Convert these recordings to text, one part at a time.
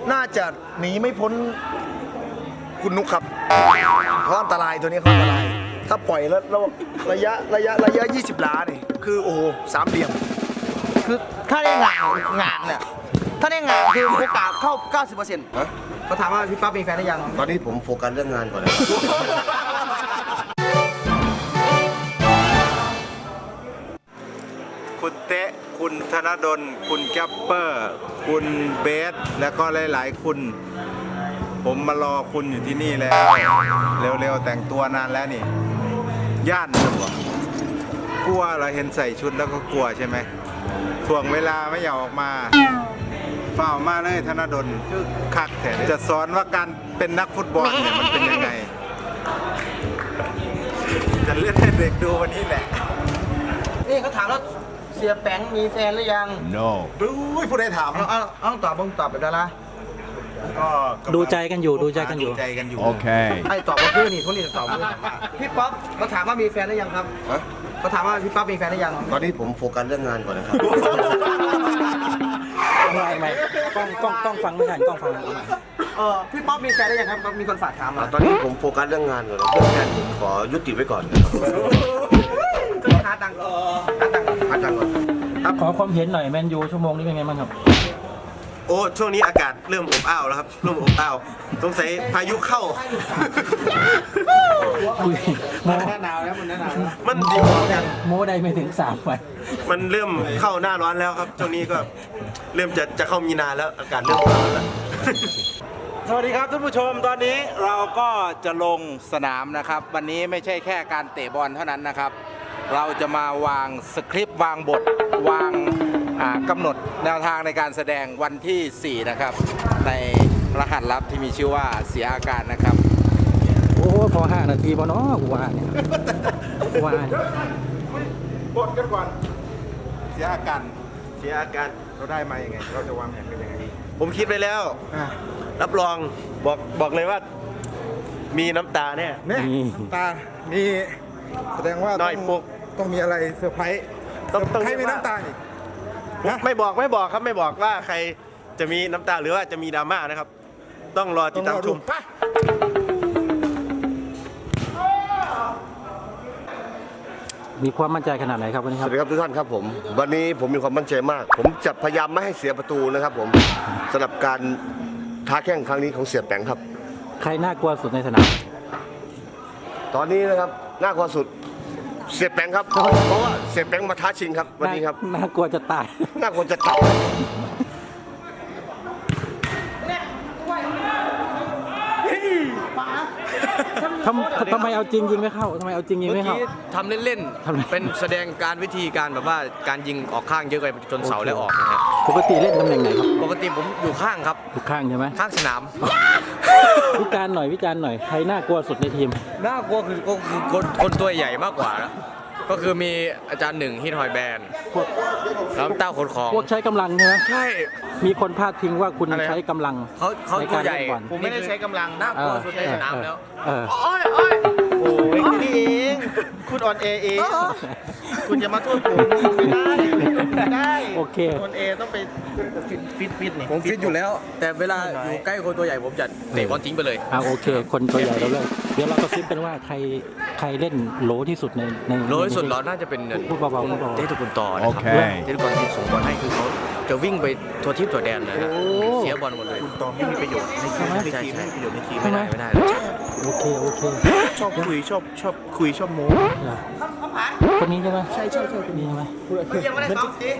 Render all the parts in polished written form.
น่าจะหนีไม่พ้นคุณนุกครับเขาอันตรายตัวนี้เขาอันตรายถ้าปล่อยแล้วระยะ20 ล้าเนี่ยคือโอ้โหสามเหลี่ยมคือถ้าได้งานเนี่ยถ้าได้งานคือโอกาสเข้า 90%เขาถามว่าพี่ปั๊บมีแฟนหรือยังตอนนี้ผมโฟกัสเรื่องงานก่อนนะคุณเตะคุณธนดลคุณแกปเปอร์คุณเบสและก็หลายๆคุณผมมารอคุณอยู่ที่นี่แล้วเร็วๆแต่งตัวนานแล้วนี่ย่านหรือเปล่ากลัวเราเห็นใส่ชุดแล้วก็กลัวใช่ไหมถ่วงเวลาไม่อยากออกมาเฝ้ามาเลยธนดลคือคักแถมจะสอนว่าการเป็นนักฟุตบอลเนี่ยมันเป็นยังไงจะเล่นให้เด็กดูวันนี้แหละนี่เขาถามแล้วเสียแป้งมีแฟนหรือยัง no ผู้ใดถามเอาตอบแบบดาราก็ดูใจกันอยู่ดูใจกันอยู่โอเคไอ้ตอบว่าคือนี่คนนี้ตอบพี่ป๊อปเขาถามว่ามีแฟนหรือยังครับเขาถามว่าพี่ป๊อปมีแฟนหรือยังตอนนี้ผมโฟกัสเรื่องงานก่อนนะครับไม่กล้องฟังไม่ทันกล้องฟังพี่ป๊อปมีแฟนหรือยังครับมีคนฝากถามมาตอนนี้ผมโฟกัสเรื่องงานก่อนเรื่องงานขอยุติไว้ก่อนนะครับหาตังค์ก่อนขอความเห็นหน่อยแมนยูชั่วโมงนี้เป็นไงบ้างครับโอ้ช่วงนี้อากาศเริ่มอบอ้าวแล้วครับเริ่มอบอ้าวสงสัยพายุเข้ามันหน้าหนาวแล้วมันดีกว่ากันโม้ได้ไม่ถึง3 วันมันเริ่มเข้าหน้าร้อนแล้วครับช่วงนี้ก็เริ่มจะเข้ามีนาแล้วอากาศเริ่มร้อนแล้วสวัสดีครับท่านผู้ชมตอนนี้เราก็จะลงสนามนะครับวันนี้ไม่ใช่แค่การเตะบอลเท่านั้นนะครับเราจะมาวางสคริปต์วางบทวางกำหนดแนวทางในการแสดงวันที่4นะครับในรหัสลับที่มีชื่อว่าเสียอาการนะครับโอ้พอ5 นาทีพอเนาะกูว่าเนี่ยบทกันก่อนเสียอาการเราได้มาอย่างไงเราจะวางแผนกันยังไงผมคิดไปแล้วรับรองบอกเลยว่ามีน้ำตาแน่น้ำตามีแสดงว่าต้องมีอะไรเซอร์ไพรส์ใครมีน้ำตาอีกไม่บอกครับไม่บอกว่าใครจะมีน้ำตาหรือว่าจะมีดราม่านะครับต้องรอติดตามชมมีความมั่นใจขนาดไหนครับวันนี้ครับสวัสดีครับทุกท่านครับผมวันนี้ผมมีความมั่นใจมากผมจะพยายามไม่ให้เสียประตูนะครับผมสำหรับการท้าแข่งครั้งนี้ของเสียแปงครับใครน่ากลัวสุดในสนามตอนนี้นะครับน่ากลัวสุดเสียแปงครับเพราะว่าเสียแปงมาท้าชิงครับวันนี้ครับน่ากลัวจะตายทำไมเอาจริงยิงไม่เข้าทำเล่นๆเป็นแสดงการวิธีการแบบว่าการยิงออกข้างเยอะไปจนเสาแล้วออกนะฮะปกติเล่นตำแหน่งไหนครับปกติผมอยู่ข้างครับอยู่ข้างใช่ไหมข้างสนามวิจารณ์หน่อยใครน่ากลัวสุดในทีมน่ากลัวคือคนตัวใหญ่มากกว่านะก็คือมีอาจารย์หนึ่งฮิตฮอยแบนแล้วเต้าขนของพวกใช้กำลังใช่ไหมใช่มีคนพาดพิงว่าคุณใช้กำลังเขาตัวใหญ่ผมไม่ได้ใช้กำลังน่ากลัวสุดในสนามแล้วโอ้ยนี่เองคุณอ่อนเองคุณจะมาโทษผมไม่ได้โอเคคนเอต้องไปฟิตนี่ผมฟิตอยู่แล้วแต่เวลาอยู่ใกล้คนตัวใหญ่ผมจะเตะบอลทิ้งไปเลยโอเคคนตัวใหญ่เราเลยเดี๋ยวเราก็ซิปเป็นว่าใครเล่นโหลที่สุดในโหลที่สุดเราน่าจะเป็นพูดเบาเทตุกุลต่อนะครับเทตุกุลที่ส่งบอลให้คือเขาจะวิ่งไปทัวทิพย์ตัวแดนเลยเสียบอลหมดเลยคุณตองไม่มีประโยชน์ในทีมไม่มีประโยชน์ในทีมไม่ได้โอเคชอบคุยชอบโม้คนนี้ใช่ไหมใช่คนนี้ใช่ไหมยังไม่ได้ซ้อมสิ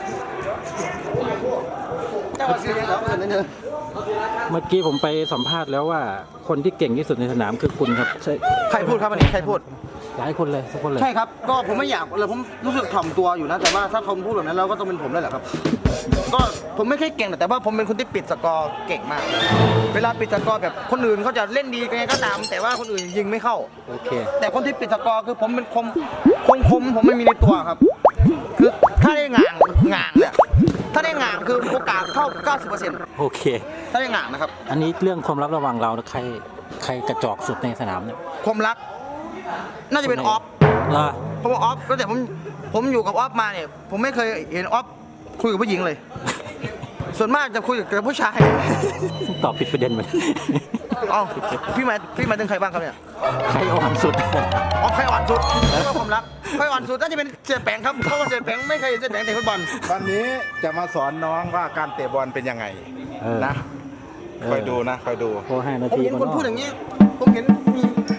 เจ้าว่าซื้อแล้วเมื่อกี้ผมไปสัมภาษณ์แล้วว่าคนที่เก่งที่สุดในสนามคือคุณครับใครพูดครับอันนี้ใครพูดหลายคนเลยสักคนเลยใช่ครับก็ผมไม่อยากเลยผมรู้สึกถ่อมตัวอยู่นะแต่ว่าถ้าเขาพูดแบบนั้นเราก็ต้องเป็นผมได้แหละครับก็ผมไม่ค่อยเก่งแต่ว่าผมเป็นคนที่ปิดสกอร์เก่งมากเวลาปิดสกอร์แบบคนอื่นเขาจะเล่นดีไงก็ตามแต่ว่าคนอื่นยิงไม่เข้าโอเคแต่คนที่ปิดสกอร์คือผมเป็นคมผมไม่มีในตัวครับคือถ้าได้งานเนี่ยถ้าได้งานคือโอกาสเข้า 90% โอเคถ้าได้งานนะครับอันนี้เรื่องความลับระหว่างเราใครกระจอกสุดในสนามเนี่ยความรักน่าจะเป็นออฟเพราะว่าออฟก็แต่ผมอยู่กับออฟมาเนี่ยผมไม่เคยเห็นออฟคุยกับผู้หญิงเลยส่วนมากจะคุยกับผู้ชายตอบผิดประเด็นไปเอ้าพี่หมายถึงใครบ้างครับเนี่ยใครอ่อนสุดอ๋อใครอ่อนสุดก็ความรักใครอ่อนสุดน่าจะเป็นเสียแปงครับเพราะว่าเสียแปงไม่เคยเสียแปงเตะฟุตบอลวันนี้จะมาสอนน้องว่าการเตะบอลเป็นยังไงเออนะคอยดูนะคอยดูพอ5 นาผมทีเห็นคนพูดอย่างนี้ ผมเห็นมี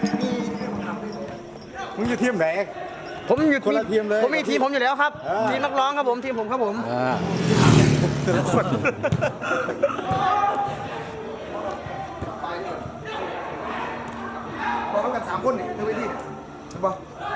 มึงอยู่ทีมไหนผมอยู่คนละทีมเลยผมมีทีมผมอยู่แล้วครับเออทีมนักร้องครับผมทีมผมครับผมอ่าบอกกัน3 คนนี่ในเวทีเนี่ยใช่ปะ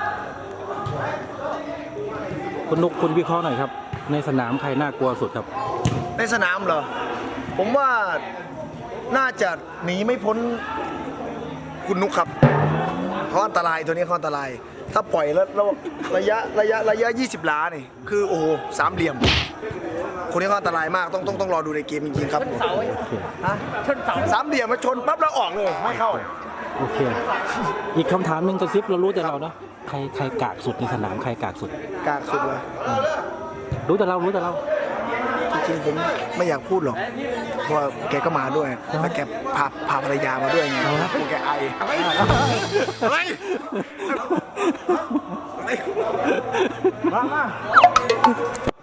คุณนุกคุณวิเคราะห์หน่อยครับ ในสนามใครน่ากลัวสุดครับในสนามเหรอ ผมว่าน่าจะหนีไม่พ้นคุณนุกครับเขาอันตรายตัวนี้เขาอันตราย ถ้าปล่อยแล้วระยะ 20 ล้านี่คือโอ้โห3 เหลี่ยม คนนี้เขาอันตรายมากต้องรอดูในเกมจริงๆครับฮะ3 เหลี่ยมมาชนปั๊บแล้วออกเลยไม่เข้าโอเค อีกคำถามหนึ่งกระซิบเรารู้แต่เราเนาะใครกากสุดในสนามใครกากสุดกากสุดเลยรู้แต่เราจริงๆผมไม่อยากพูดหรอกเพราะว่าแกก็มาด้วยแล้วแกพาภรรยามาด้วยไงเอาละกลัวแกไออะไรมา